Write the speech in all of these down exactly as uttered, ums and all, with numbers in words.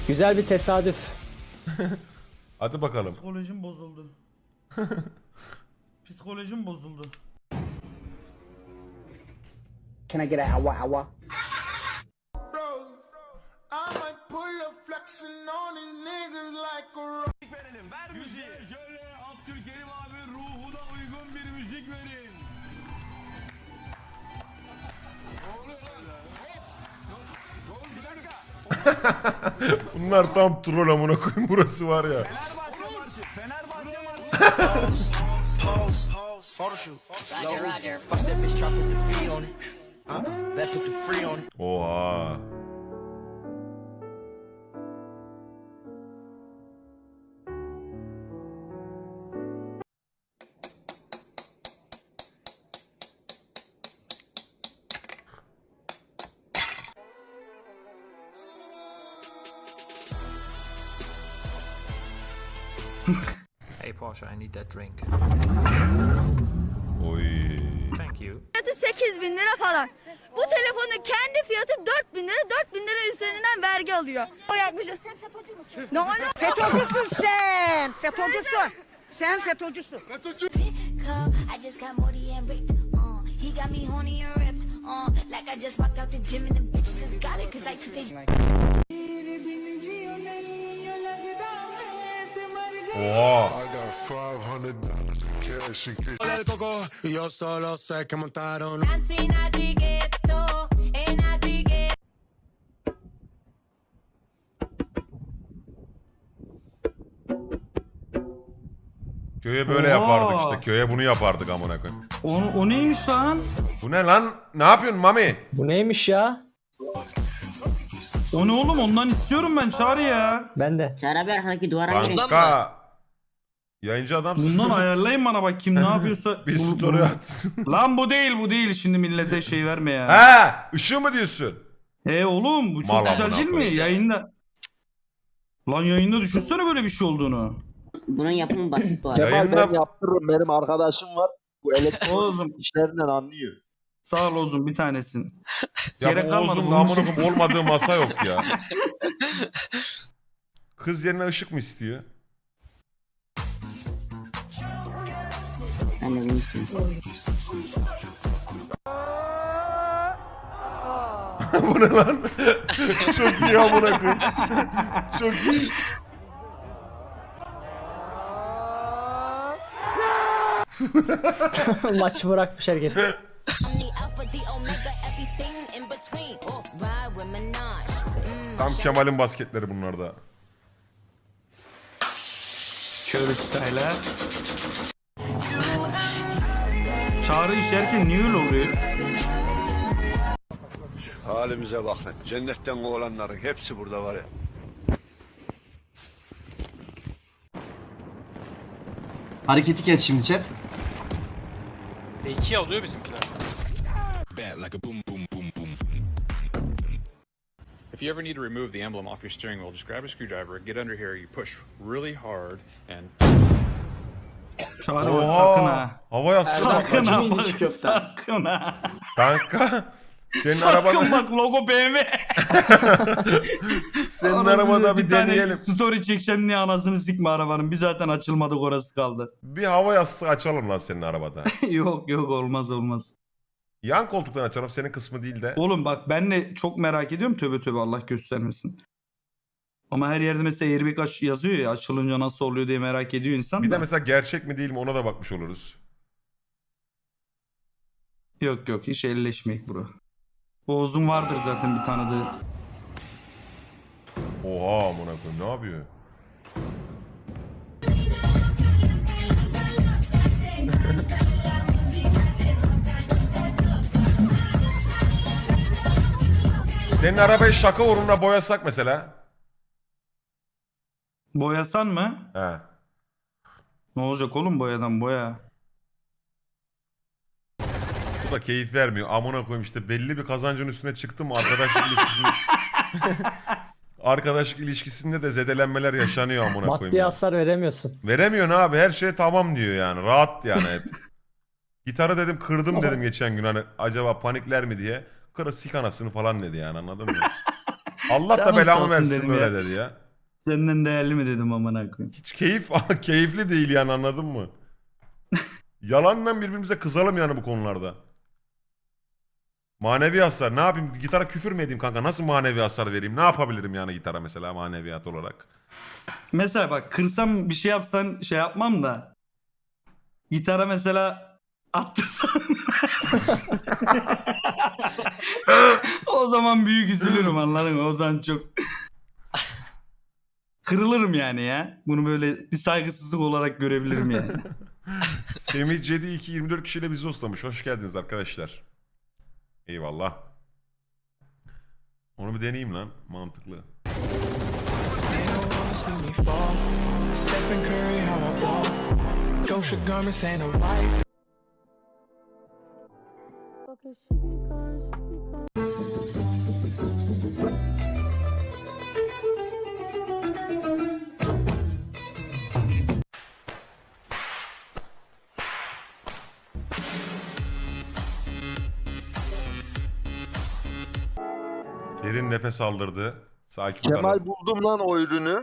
Güzel bir tesadüf. Hadi bakalım. Psikolojim bozuldu. Psikolojim bozuldu. Can I get a awa awa? Müziğe şöyle Abdülkerim abi ruhuna uygun bir müzik verin. Ne oluyor lan? Hop! Oğlum bir dakika. Bunlar tam troll amına koyayım, burası var ya. Fenerbahçe marşı. Fenerbahçe marşı. Pose, pose, photoshoot. Roger, Roger. Fuck that bitch, try put the free on it. Huh? That put the free on it. Oha. Hey Porsche, I need that drink. Oy. Thank you. Fiyatı sekiz bin lira falan. Bu telefonun kendi fiyatı dört bin lira. dört bin lira üzerinden vergi alıyor. O yapmışız. Sen FETÖ'cü müsün? Ne oluyor? FETÖ'cüsün sen. FETÖ'cüsün. Sen FETÖ'cüsün. I just got Morty and ripped. Uh, he got me horny and ripped. Uh, like I just walked out the gym and the bitches got it cause I took the Oha. I got five hundred dollars cash in case. El coco y yo solo sé que montaron. Köye böyle Oha. yapardık işte. Köye bunu yapardık amına koyayım. O, o neymiş lan? Bu ne lan? Ne yapıyorsun Mami? Bu neymiş ya? O ne oğlum? Ondan istiyorum ben Çağrı ya. Ben de. Çağrı abi arkadaki duvara girin. Kanka. Yayıncı adamsın. Bundan ayarlayın bana bak kim ne yapıyorsa. Bir Bu- story bu- at. Lan bu değil bu değil şimdi millete şey verme ya. He, ışığı mı diyorsun? E oğlum bu çok Mal güzel amına değil mi? koyayım. Yayında. Cık. Lan yayında düşünsene böyle bir şey olduğunu. Bunun yapımı basit bu arada. Kemal, Kemal Yayında- ben yaptırırım. Benim arkadaşım var. Bu elektrik Oğlum işlerinden anlıyor. sağ ol Ozun bir tanesin. Ya Gerek bu kalmadı Oğuz'un bunun amına için. koyayım olmadığı masa yok ya. Kız yerine ışık mı istiyor? Ben de bunu istiyorum. Bu ne lan? Çok iyi amına koyayım. Çok iyi. Maçı bırakmış herkes. I'm the alpha, the omega, everything in between. Oh, ride with Minaj. Mm. Tam Kemal'in basketleri bunlar da. Şöyle style'a. Çağrı işerken niye öyle oluyor? Halimize bak lan. Cennetten olanların hepsi burada var ya. Hareketi kes şimdi chat. İki alıyor bizimkiler. If you ever need to remove the emblem off your steering wheel, just grab a screwdriver, get under here, you push really hard, and Çağrı bak sakın ha. Hava yastığı Sakın bak. ha bak sakın ha. Kanka. Senin Sakın arabada, bak logo B M. senin Arabada arabada bir tane deneyelim. Story çekeceğim diye anasını sikme arabanın. Biz zaten açılmadık orası kaldı. Bir hava yastığı açalım lan senin arabada. yok yok olmaz olmaz. Yan koltuktan açalım, senin kısmı değil de. Oğlum bak ben de çok merak ediyorum tövbe tövbe Allah göstermesin. Ama her yerde mesela airbag aç yazıyor ya açılınca nasıl oluyor diye merak ediyor insan Bir da. de mesela gerçek mi değil mi ona da bakmış oluruz. Yok yok hiç elleşmeyik bro. Oğuz'un vardır zaten bir tanıdığı. Oha amına koyayım, ne yapıyor? Senin arabayı şaka uğruna boyasak mesela. Boyasan mı? He. Ne olacak oğlum boyadan boya. Bu da keyif vermiyor. Amına koyayım işte belli bir kazancın üstüne çıktım mı arkadaşlık ilişkisinde. Arkadaşlık ilişkisinde de zedelenmeler yaşanıyor amına koyayım. Maddi ya. hasar veremiyorsun. Veremiyorsun abi, her şey tamam diyor yani. Rahat yani hep. Gitarı dedim kırdım dedim geçen gün hani acaba panikler mi diye. Kırı sik anasını falan dedi yani, anladın mı? Allah da Canın sağ belamı olsun versin dedim öyle ya. dedi ya. Senden değerli mi dedim amına koyayım. Hiç keyif keyifli değil yani, anladın mı? Yalandan birbirimize kızalım yani bu konularda. Manevi hasar ne yapayım, gitara küfür mü edeyim kanka, nasıl manevi hasar vereyim, ne yapabilirim yani gitara mesela maneviyat olarak. Mesela bak kırsam bir şey yapsan şey yapmam da. Gitara mesela attırsan. O zaman büyük üzülürüm, anladın mı? O zaman çok kırılırım yani ya. Bunu böyle bir saygısızlık olarak görebilirim yani. Semih Cedi iki yirmi dört kişiyle bizi ustamış. Hoş geldiniz arkadaşlar. Eyvallah. Onu bir deneyeyim lan. Mantıklı. Derin nefes aldırdı. Sakin Kemal kalın. buldum lan o ürünü.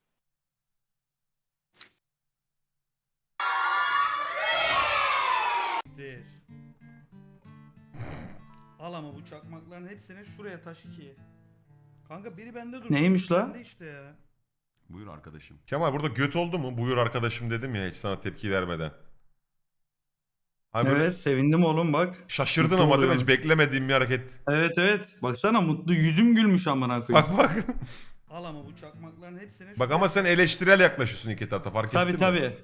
Al ama bu çakmakların hepsini şuraya taş ikiye. Kanka biri bende dur. Neymiş la? İşte ya. Buyur arkadaşım. Kemal burada göt oldu mu? Buyur arkadaşım dedim ya hiç sana tepki vermeden. Hani böyle Evet sevindim oğlum bak. şaşırdın Mutlu ama değil mi? oluyorum. Hiç beklemediğim bir hareket. Evet evet. Baksana mutlu yüzüm gülmüş amına koyayım. Bak bak. Al ama bu çakmakların hepsini Bak ama sen eleştirel yaklaşıyorsun iki tarafta, fark ettin Tabi mi? tabi.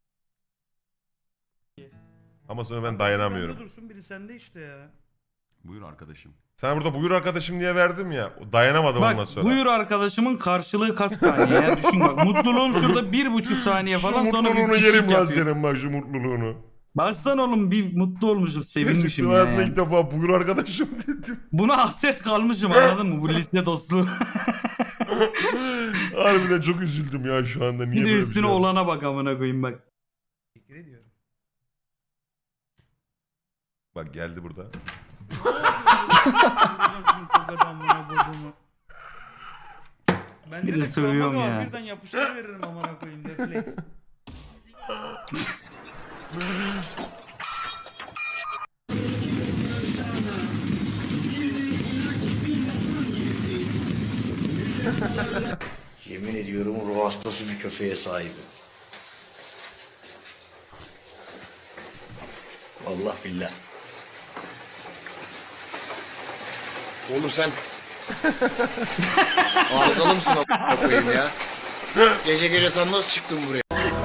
Ama sonra ben dayanamıyorum. Biri dursun biri sende işte ya. Buyur arkadaşım. Sana burada buyur arkadaşım diye verdim ya. Dayanamadım ondan Bak sonra. buyur arkadaşımın karşılığı kaç saniye ya düşün bak. Mutluluğum şurada bir buçuk saniye Şu falan sonra bir mutluluğunu pişik yerim lan yapıyor. senin bak, şu mutluluğunu. Baksana oğlum bir mutlu olmuşum sevinmişim Gerçekten ya. hayatımda Yani. ilk defa buyur arkadaşım dedim. Buna hasret kalmışım anladın mı bu liste dostluğu. Harbiden çok üzüldüm ya şu anda. Niye Bir de böyle bir üstüne şey oldu? olana bak amına koyayım bak. Teşekkür ediyorum. Bak geldi burada. Ben bir de sövüyorum ya. Birden yapıştır veririm amına koyayım refleks. Yemin ediyorum ruh hastası bir köpeğe sahibim. Vallahi billah. Oğlum sen arızalı mısın a**a koyayım ya? Gece gece sen nasıl çıktın buraya?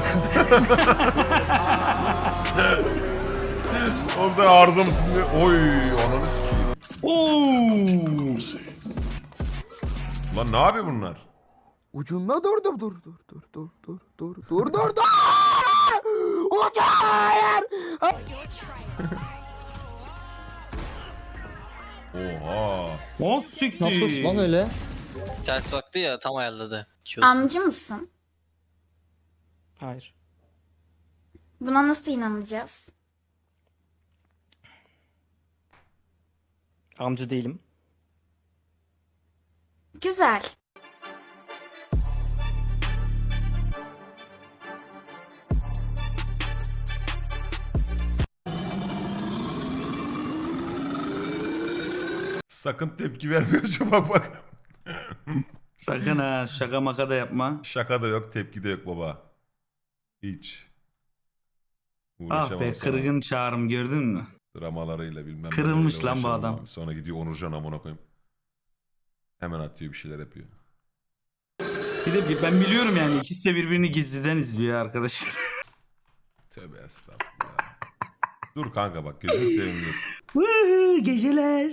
Oğlum sen arıza mısın diye. Oy ananı sikeyim. Oo! Lan ne yapıyor bunlar? Ucunda dur dur dur dur dur dur dur dur dur dur dur. Ucu hayır. Oha. O siktir. Nasıl hoş lan öyle? Ters baktı ya, tam ayarladı. Amcı mısın? Hayır. Buna nasıl inanacağız? Amca değilim. Güzel. Sakın tepki vermiyorsun bak bak. Sakın ha şaka maka da yapma. Şaka da yok, tepki de yok baba. Hiç. Ah Uğraşamam be sana. kırgın çağrım gördün mü? Dramalarıyla bilmem. Kırılmış neleriyle lan bu uğraşamam adam. abi. Sonra gidiyor Onurcan amına koyayım. Hemen atıyor bir şeyler yapıyor. Bir de bir- ben biliyorum yani ikisi de birbirini gizliden izliyor arkadaşlar. Tövbe estağfurullah. Dur kanka bak gözünü seveyim dur. Woohoo, geceler.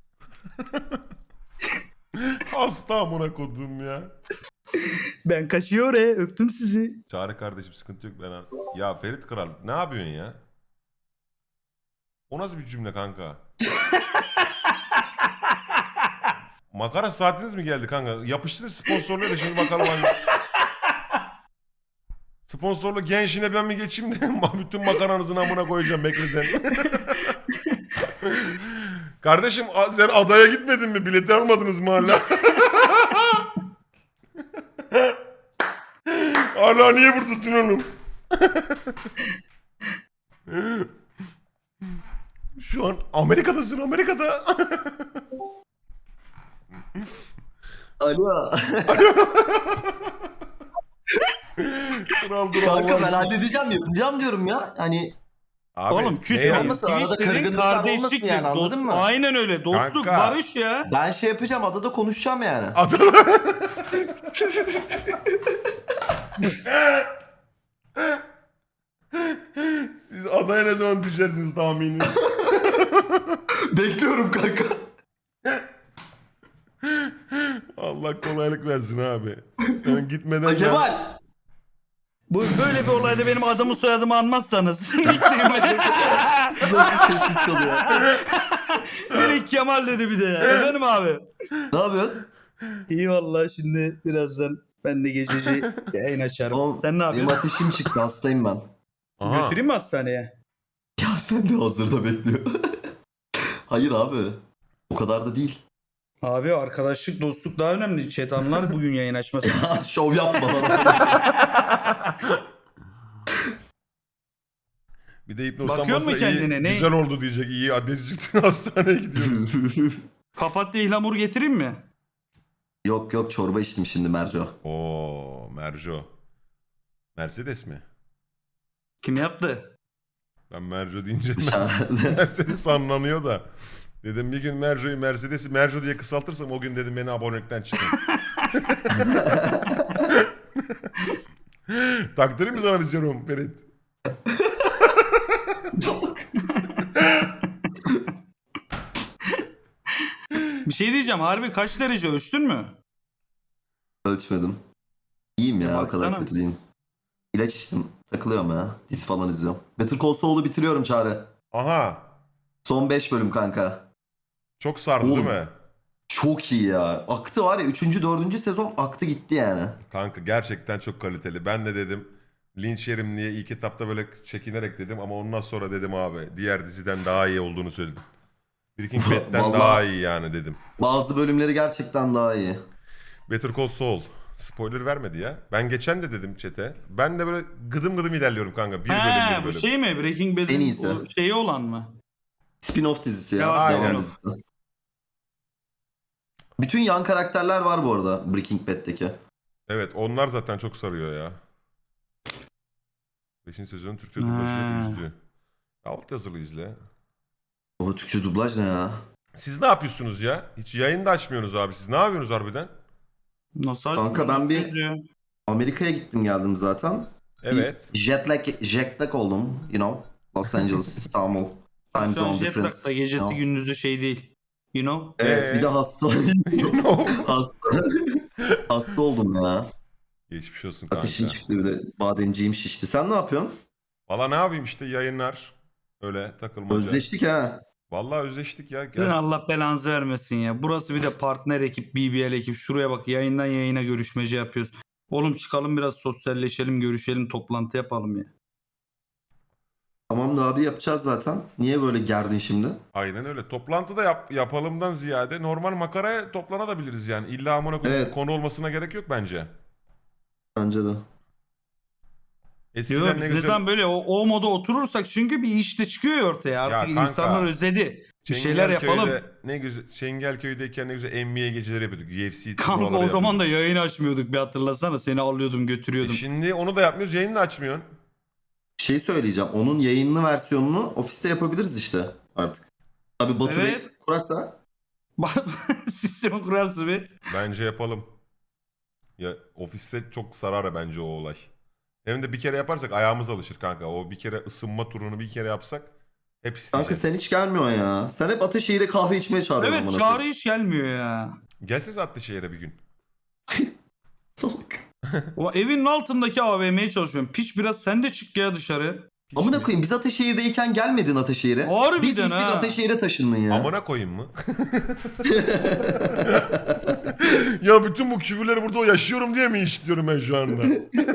Hasta amına kodum ya. Ben kaçıyor e öptüm sizi. Çağrı kardeşim sıkıntı yok ben an- Ya Ferit Kral ne yapıyorsun ya? O nasıl bir cümle kanka? Makara saatiniz mi geldi kanka? Yapıştır sponsorluğu da şimdi bakalım hangi... Sponsorlu gençine ben mi geçeyim de bütün makaranızın amına koyacağım bekle sen. Kardeşim a- sen adaya gitmedin mi? Bileti almadınız mı hala? Hala niye buradasın oğlum? Şu an Amerika'dasın, Amerika'da. Alo. Kral dur Kanka Allah ben aşkına. halledeceğim yapacağım diyorum ya. Hani Abi, Oğlum ne küs yani? olmasın, arada ilişkilerin kırgınlıklar olmasın kardeşliktir, yani, anladın dost- mı? Aynen öyle. Dostluk, Kanka. barış ya. ben şey yapacağım, adada konuşacağım yani. Siz adaya ne zaman düşersiniz tahmini? Bekliyorum kanka. Allah kolaylık versin abi. Sen gitmeden Ha, ben- Kemal. Bu böyle bir olayda benim adımı soyadımı anmazsanız. Nasıl sessiz kalıyor? Direkt Kemal dedi bir de ya. Efendim abi. Ne yapıyorsun? İyi vallahi şimdi birazdan ben de gececi yayın açarım. Oğlum, Sen ne Benim yapıyorsun? ateşim çıktı, hastayım ben. Aha. Götüreyim mi hastaneye? Ya sen de hazırda bekliyor. Hayır abi. O kadar da değil. Abi arkadaşlık, dostluk daha önemli. Chat anlar bugün yayın açmasın. Şov yapma bana. Bir de hipnozdan Bakıyor mu bahsediyor, iyi, kendine, ne? güzel oldu diyecek. İyi adresi çıktı, hastaneye gidiyoruz. Papatya ihlamur getireyim mi? Yok yok, çorba içtim şimdi Merco. Oo, Merco. Mercedes mi? Kim yaptı? Ben Merco deyince Dışarıda. Mercedes anlanıyor da. Dedim bir gün Merco'yu Mercedes'i Merco diye kısaltırsam o gün dedim beni abonelikten çıkın. Taktırayım mı sana bir serum Ferit? Bir şey diyeceğim. Harbi kaç derece ölçtün mü? Ölçmedim. İyiyim ya, o kadar Baksana. kötü değilim. İlaç içtim. Takılıyorum ya. Dizi falan izliyorum. Better Call Saul'u bitiriyorum Çağrı. Aha. Son beş bölüm kanka. Çok sardı Oğlum. değil mi? Çok iyi ya. Aktı var ya, üçüncü dördüncü sezon aktı gitti yani. Kanka gerçekten çok kaliteli. Ben de dedim linç yerim diye ilk etapta böyle çekinerek dedim ama ondan sonra dedim abi diğer diziden daha iyi olduğunu söyledim. Breaking Bad'den Vallahi- daha iyi yani dedim. Bazı bölümleri gerçekten daha iyi. Better Call Saul. Spoiler vermedi ya. Ben geçen de dedim chat'e. Ben de böyle gıdım gıdım ilerliyorum kanka. Bir bölüm He bir bu bölüm. şey mi? Breaking En Bad'in iyisi. o şeyi olan mı? Spin-off dizisi ya. Ya, aynen. Devam dizisi. Bütün yan karakterler var bu arada Breaking Bad'deki. Evet onlar zaten çok sarıyor ya. Beşinci sezonun Türkçe dublajı Ha. üzdü. Alt yazılı izle. O Türkçe dublaj ne ya? Siz ne yapıyorsunuz ya? Hiç yayın da açmıyorsunuz abi. Siz ne yapıyorsunuz harbiden? Nasıl Kanka açtın? ben bir- Nasıl yazıyor? Amerika'ya gittim geldim zaten. Evet. Bir Jet lag, jet lag oldum. You know. Los Angeles, İstanbul. Time Şu an zone jet difference. lag'da gecesi you know. gündüzü şey değil. You know? Evet, Ee? bir de hasta. You know. hasta. hasta oldum ya. Geçmiş olsun kanka. Ateşim çıktı, bir de bademciğim şişti. Sen ne yapıyorsun? Valla ne yapayım işte yayınlar. Öyle takılmaca. Özleştik ha. Vallahi özleştik ya. Sizin Gel. Allah belanızı vermesin ya. Burası bir de partner ekip, B B L ekip. Şuraya bak yayından yayına görüşmece yapıyoruz. Oğlum çıkalım biraz sosyalleşelim, görüşelim, toplantı yapalım ya. Tamam da abi, yapacağız zaten. Niye böyle gerdin şimdi? Aynen öyle. Toplantıda yap, yapalımdan ziyade normal makaraya toplanabiliriz yani. İlla amına koyayım Evet. konu olmasına gerek yok bence. Bence de. Eskiden Yok ne biz ne güzel zaman böyle o, o moda oturursak çünkü bir iş de çıkıyor ya ortaya. Artık kanka, insanlar özledi. Bir şeyler yapalım. Çengelköy'de ne güzel Çengelköy'deyken ne güzel N B A geceleri yapıyorduk. U F C Kanka o turnuvaları zaman da yapıyorduk. yayın açmıyorduk bir hatırlasana. Seni alıyordum E götürüyordum. şimdi onu da yapmıyoruz. Yayını da açmıyorsun. Şey söyleyeceğim. Onun yayınlı versiyonunu ofiste yapabiliriz işte artık. Tabii Batu Bey Evet. kurarsa. Sistemi kurarsın bir. Bence yapalım. Ya ofiste çok sarar bence o olay. Hem de bir kere yaparsak ayağımız alışır kanka. O bir kere ısınma turunu bir kere yapsak hep isteyeceğiz. Kanka sen hiç gelmiyorsun ya. Sen hep Ateşehir'e kahve içmeye çağırıyorsun. Evet amına çağrı koyayım. hiç gelmiyor ya. Gelseniz Atlışehir'e bir gün. Salak. O evin altındaki A V M'ye çalışıyorum. Piç biraz sen de çık ya dışarı. Hiç Amına mi? koyayım, biz Ateşehir'deyken gelmedin Ateşehir'e. Harbiden Biz ilk ha. gün Ateşehir'e taşındın ya. Amına koyayım mı? Ya bütün bu küfürleri burada o yaşıyorum diye mi işliyorum ben şu anda?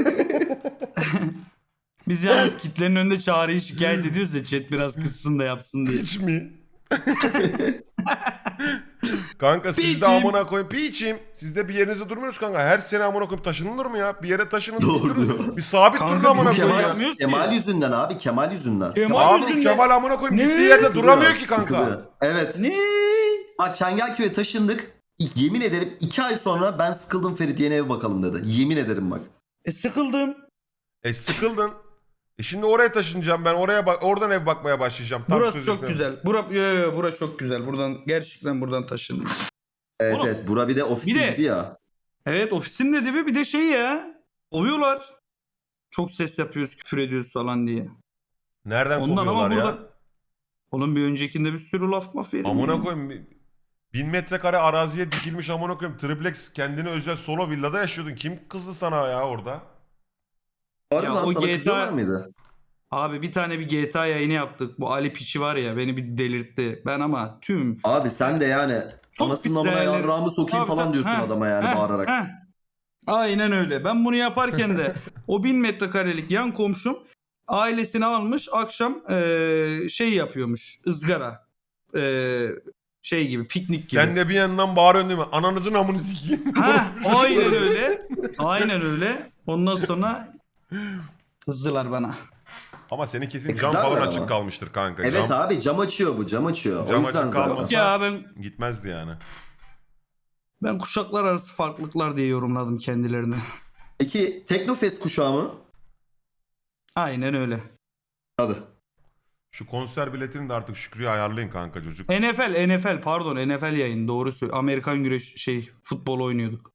Biz yalnız kitlerin önünde çağrıyı şikayet ediyoruz da chat biraz kızsın da yapsın diye. Hiç mi? Kanka siz de Piçim. amına koyun. Piçim. Siz de bir yerinizde durmuyoruz kanka. Her sene amına koyayım taşınılır mı ya? Bir yere taşının. Doğru bir, durun. diyor. bir sabit Kanka durun amına bizim koyayım Kemal ya. yapmıyoruz ki. Kemal yüzünden abi, Kemal yüzünden. Kemal Abi yüzünden. Kemal amına koyayım Ne? gittiği yerde duramıyor ki kanka. Duruyor. Evet. Ne? Bak Çengelköy'e taşındık. Yemin ederim iki ay sonra ben sıkıldım Ferit, yeni ev bakalım dedi. Yemin ederim bak. E sıkıldım. E sıkıldın. E şimdi oraya taşınacağım ben. Oraya bak, oradan ev bakmaya başlayacağım. Tam Burası çok sözleşme- güzel. Bura, yo, yo, yo, bura çok güzel. Buradan gerçekten buradan taşındım. Evet Oğlum, evet, bura bir de ofisin bir de- gibi ya. Evet, ofisin de dibi bir de şey ya. Ovuyorlar. Çok ses yapıyoruz, küfür ediyoruz falan diye. Nereden Ondan ama kovuyorlar ya? burada... Oğlum bir öncekinde bir sürü laf maf yedim. Amına ya. koyayım. Bin metrekare araziye dikilmiş amına koyayım. Triplex kendine özel solo villada yaşıyordun. Kim kızdı sana ya orada? Harbi Ya lan, o sana G T A kızıyorlar mıydı? Abi bir tane bir G T A yayını yaptık. Bu Ali Piçi var ya, beni bir delirtti. Ben ama tüm... Abi sen de yani Çok anasının pis amına değerli- yarrağımı sokayım Tabii, falan tabii. diyorsun Heh, adama yani heh, bağırarak. heh. Aynen öyle. Ben bunu yaparken de o bin metrekarelik yan komşum ailesini almış, akşam eee, şey yapıyormuş, ızgara. Eee, şey gibi, piknik gibi. Sen de bir yandan bağırıyorsun değil mi? Ananızın amını sikeyim. Ha, aynen öyle. Aynen öyle. Ondan sonra kızdılar bana. Ama senin kesin E, cam kızarlar falan ama. açık kalmıştır kanka. Evet cam abi, cam açıyor bu, cam açıyor. Cam o yüzden açık zaten. kalmasa- Ya ben gitmezdi yani. ben kuşaklar arası farklılıklar diye yorumladım kendilerini. Peki Teknofest kuşağı mı? Aynen öyle. Tabii. Şu konser biletini de artık Şükrü'ye ayarlayın kanka çocuk. N F L, N F L pardon N F L yayın doğru söylüyor. Amerikan güreş şey futbol oynuyorduk.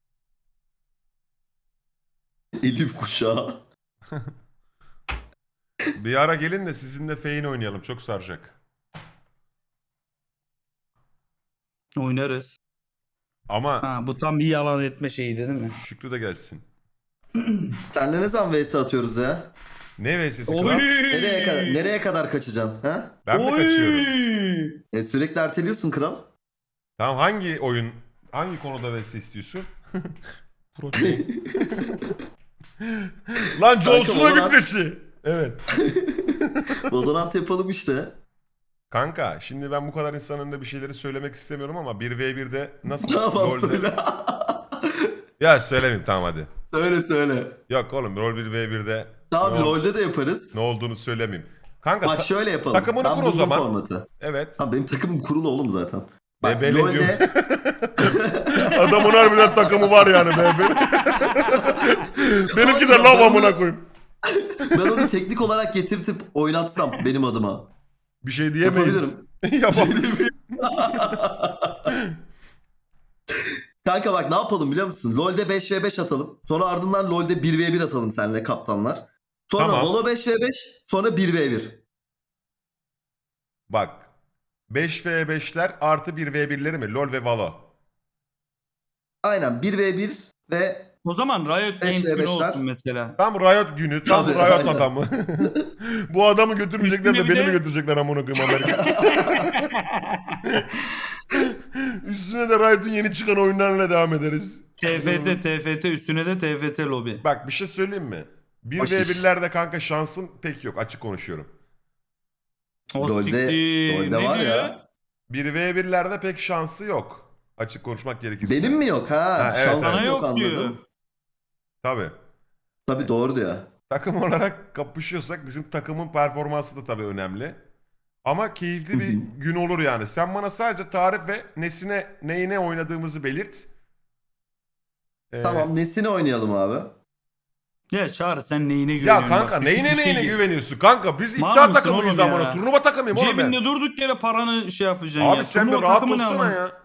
Elif kuşağı. Bir ara gelin de sizinle feyin oynayalım. Çok saracak. Oynarız. Ama Ha, bu tam bir yalan etme şeyiydi değil mi? Şükrü de gelsin. Senle ne zaman V S atıyoruz ya? Ne V S'si Oy! kral? Nereye kadar, nereye kadar kaçacaksın? Ha? Ben mi Oy! kaçıyorum? E, sürekli erteliyorsun kral. Tamam hangi oyun, hangi konuda V S istiyorsun? Protein. Lan Johnson'a Valorant- gitmesi. Evet. Valorant yapalım işte. Kanka şimdi ben bu kadar insanın önünde bir şeyleri söylemek istemiyorum ama bir ve birde nasıl Tamam LoL'de- söyle. Ya söylemeyeyim tamam hadi. söyle söyle. Yok oğlum rol bir ve birde Tamam ne, ol- LoL'de de yaparız. ne olduğunu söylemeyeyim. Kanka Bak ta- şöyle yapalım. takımını Ben kur o buldum zaman. formatı. evet. Tamam benim takımım kurulu oğlum zaten. Bak Bebele LoL'de diyorum. Adamın harbiden takımı var yani be. Benimki de lav amına koyayım. ben onu teknik olarak getirtip oynatsam benim adıma. Bir şey diyemeyiz. Yapamayız. Kanka bak ne yapalım biliyor musun? LoL'de beş ve beş atalım. Sonra ardından LoL'de bir ve bir atalım seninle kaptanlar. Sonra Tamam. Valo beş ve beş, sonra bir ve bir. Bak. beş ve beşler artı bir ve birleri mi? LoL ve Valo. Aynen bir ve bir ve O zaman Riot Beş Games ve günü beşler. olsun mesela. Tam Riot günü, tam Tabii, Riot aynen. adamı. Bu adamı götürmeyecekler de Üstüne bir beni mi de- götürecekler amına koyayım Amerika? Üstüne de Riot'un yeni çıkan oyunlarıyla devam ederiz. T F T, T F T üstüne de T F T lobi. Bak bir şey söyleyeyim mi? bir Baş ve iş. birlerde kanka şansım pek yok açık konuşuyorum. O LoL'de, siktir. LoL'de Ne var diyor? ya. bir ve birlerde pek şansı yok. Açık konuşmak gerekirse. Benim mi yok ha? Ha, evet, Şansım Sana yok, yok diyor. anladım. Tabii. Tabii doğru diyor. Takım olarak kapışıyorsak bizim takımın performansı da tabii önemli. Ama keyifli bir Hı hı. gün olur yani. Sen bana sadece tarif ve nesine neyine oynadığımızı belirt. Ee, Tamam nesini oynayalım abi? Ya Çağrı sen neyine güveniyorsun? Ya kanka Bak, düşün neyine bir şey neyine gibi. güveniyorsun? Kanka biz Mal iddia mısın takımıyız oğlum amına. ya? Turnuva takımıyım oğlum ben. Cebinde durduk yere paranı şey yapacaksın ya. Abi sen bir Turnuva rahat takımı ne olsana ama? ya.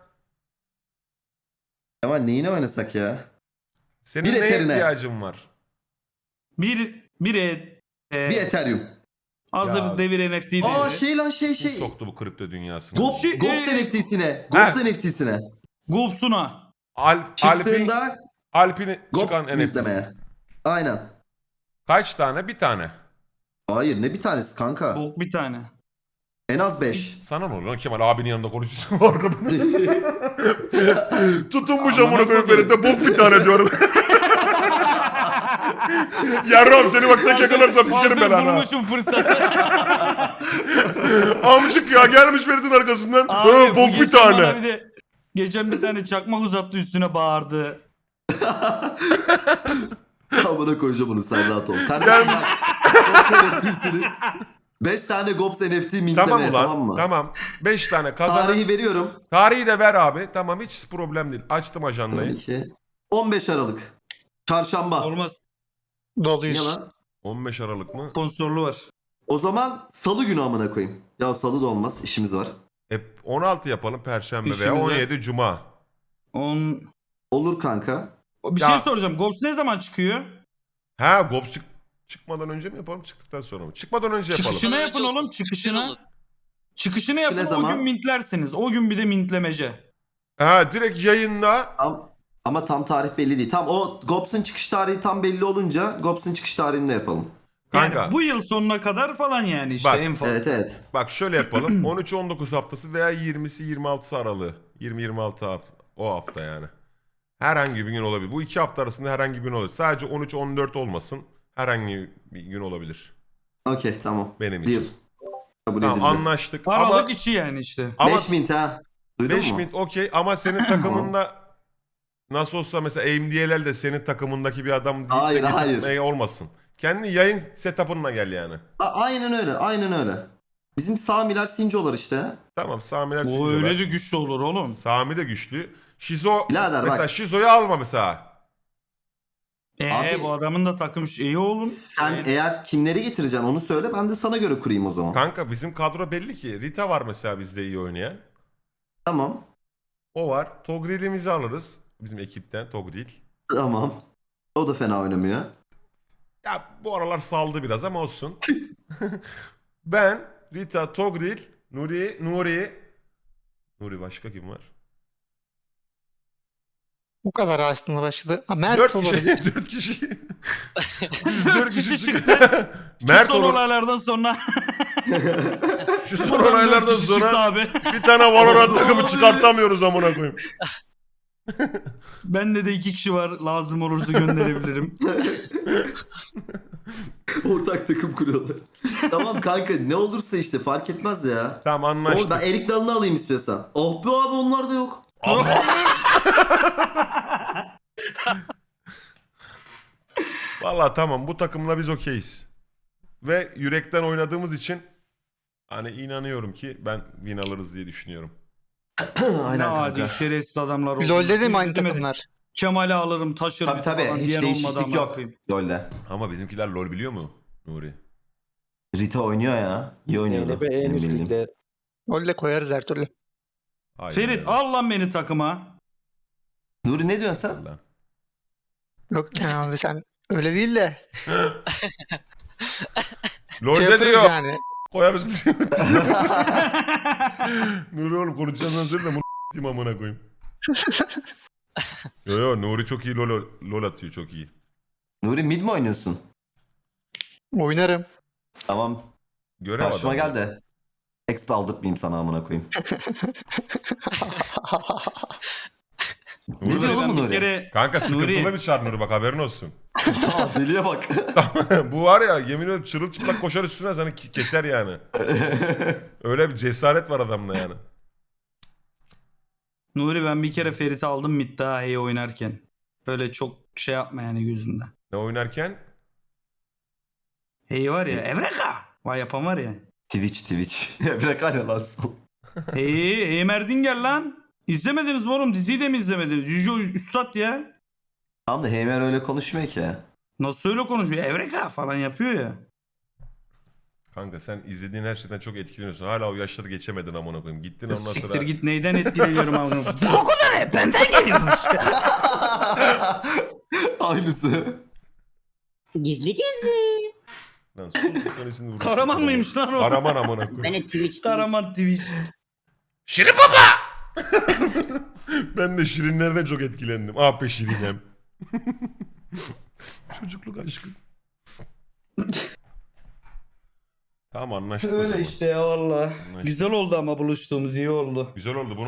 Ama neyine oynasak ya? Senin Bir neye eterine. ihtiyacın var? Bir, bir e, e, Bir Ethereum. hazır Ya. devir N F T Aa devri. şey lan şey Kim şey. soktu bu kripto dünyasına? Ghost, Şey, Ghost e- N F T'sine. Heh. Ghost N F T'sine. Gopsuna. Alp, Alp'in, Çıktığında Alp'in Ghost çıkan N F T'si. demeye. Aynen. Kaç tane? Bir tane. Hayır ne bir tanesi kanka. Bok bir tane. En az beş. Sana ne oluyor lan Kemal abinin yanında konuşuyorsun arkadan. Tutunmuş Amına amına koyayım koyayım. Ferit de bok bir tane diyor. Yarram seni bak tek yakalarsam sikerim Hazır ben ha. bulmuşum fırsatı. Amcık ya gelmiş Ferit'in arkasından. Abi, Ha, bu bok bir geçen bana tane. Bir de, Geçen bir tane çakmak uzattı üstüne bağırdı. Amına koyacağım bunu, sen rahat ol. Kardeşim bak. Gops N F T'sini beş tane Gops N F T mintlemeye, Tamam ulan. tamam mı? Tamam. beş tane kazanan. Tarihi veriyorum. Tarihi de ver abi. Tamam, hiç problem değil. Açtım ajandayı. iki. on beş Aralık. Çarşamba. Olmaz. Doluyuz. Yalan. on beş Aralık mı? Sponsorluğu var. O zaman salı günü amına koyayım. Ya salı da olmaz, işimiz var. E, on altı yapalım Perşembe İşimize- veya on yedi Cuma. On... Olur kanka. Bir Ya- şey soracağım. Gops ne zaman çıkıyor? Ha, Gops çık çıkmadan önce mi yapalım, çıktıktan sonra mı? Çıkmadan önce yapalım. Çıkışını Önce yapın olsun, oğlum. çıkışın olur. Çıkışını. Çıkışını yapın, ne o zaman? gün mintlersiniz. O gün bir de mintlemece. Ha, direkt yayında. Ama, ama tam tarih belli değil. Tam o Gops'un çıkış tarihi tam belli olunca Gops'un çıkış tarihini de yapalım. Yani Kanka. bu yıl sonuna kadar falan yani işte Bak, en fazla. Evet evet. Bak şöyle yapalım. on üç on dokuz haftası veya yirmisi yirmi altısı aralığı. yirmi yirmi altı hafta. O hafta yani. Herhangi bir gün olabilir. Bu iki hafta arasında herhangi bir gün olabilir. Sadece on üç on dört olmasın. Herhangi bir gün olabilir. Okey tamam. Benim Deal. için. Kabul Tamam, edildi. anlaştık. Aralık Ama içi yani işte. ama beş mint ha. Duydun beş mu? mint okey, ama senin takımında nasıl olsa mesela A M D L L de senin takımındaki bir adam değil de Hayır, hayır. getirtmeye olmasın. Kendi yayın setup'ınla gel yani. A- aynen öyle, aynen öyle. Bizim Samiler Sincolar işte. Tamam, Samiler O Sincolar. öyle de güçlü olur oğlum. Sami de güçlü. Şizo Birader mesela bak. Şizo'yu alma mesela. Eee Abi- bu adamın da takım iyi oğlum. Sen Yani- eğer kimleri getireceksin onu söyle, ben de sana göre kurayım o zaman. Kanka bizim kadro belli ki. Rita var mesela bizde iyi oynayan. Tamam. O var. Togril'imizi alırız. Bizim ekipten Togril. Tamam. O da fena oynamıyor. Ya bu aralar saldı biraz ama olsun. Ben, Rita, Togril, Nuri, Nuri. Nuri başka kim var? Bu kadar aslında başladı. Ha, Mert Dört olabilir. kişi. Dört kişi. Biz Dört dört kişi kişi çıktı. çıktı. Mert son olur. olaylardan sonra. Şu son olaylardan Dört kişi çıktı sonra abi. bir tane Valorant takımı çıkartamıyoruz amına koyayım. Bende de iki kişi var. Lazım olursa gönderebilirim. Ortak takım kuruyorlar. Tamam kanka, ne olursa işte fark etmez ya. Tamam, Oğlum anlaştık. ben Erik Dalı'nı alayım istiyorsan. Oh be abi, onlar da yok. Valla tamam, bu takımla biz okeyiz. Ve yürekten oynadığımız için hani inanıyorum ki ben win alırız diye düşünüyorum. Aynen Ne kanka. adi şerefsiz adamlar oldu. LoL'de de mi aynı Demedik. takımlar? Kemal'i alırım taşırım Tabii tabii, falan hiç diyen olmadı değişiklik ama yok. koyayım. LoL'de. Ama bizimkiler LoL biliyor mu Nuri? Rita oynuyor ya. İyi oynuyordu. Benim bildiğim. LoL'de koyarız her türlü. Aynen Ferit öyle. al lan beni takıma. Nuri ne diyorsun sen? Allah. Yok yani abi sen öyle değil de. LoL'de Şey yaparız diyor. yani. Koyarız diyor. Nuri oğlum konuşacağından söyle de bunu s**tim amına koyayım. Yo yo, Nuri çok iyi LoL, LoL atıyor, çok iyi. Nuri mid mi oynuyorsun? Oynarım. Tamam. Görev Karşıma adamı. gel de. Exp aldırtmayayım sana amına koyayım. Ne Nuri diyor de- oğlum bir Nuri? kere Kanka sıkıntılı Nuri. bir çar Nuri, bak haberin olsun. Aa, deliye bak. Bu var ya, yemin ediyorum çırılçıplak koşar üstüne seni ki- keser yani. Öyle bir cesaret var adamda yani. Nuri ben bir kere Ferit'i aldım mid daha iyi oynarken. Böyle çok şey yapma yani gözünden. Ne oynarken? Hey var ya Evreka. Vay yapan var ya. Twitch Twitch. Bırak hala lan. Hey hey Merdingel lan. İzlemediniz mi oğlum? Diziyi de mi izlemediniz? Yüce Üstad ya. Tamam da Heymer öyle konuşmuyor ki. Nasıl öyle konuşuyor? Evreka falan yapıyor ya. Kanka sen izlediğin her şeyden çok etkileniyorsun. Hala o yaşları geçemedin amına koyayım. Gittin ondan sonra. Siktir git neyden etkileniyorum abi. Bu koku da ne? Benden geliyormuş. Aynısı. Gizli gizli. Lan sus, sen şimdi vurursun. Karaman mıymış lan o? Karaman amına koyayım. Ben de Twitch Karaman Twitch. Şirin baba! Ben de Şirinlerden çok etkilendim. Ah be Şirinem. Çocukluk aşkı. Tamam, anlaştık o Öyle zaman. işte ya valla. Anlaştık. Güzel oldu ama buluştuğumuz iyi oldu. Güzel oldu. Bunu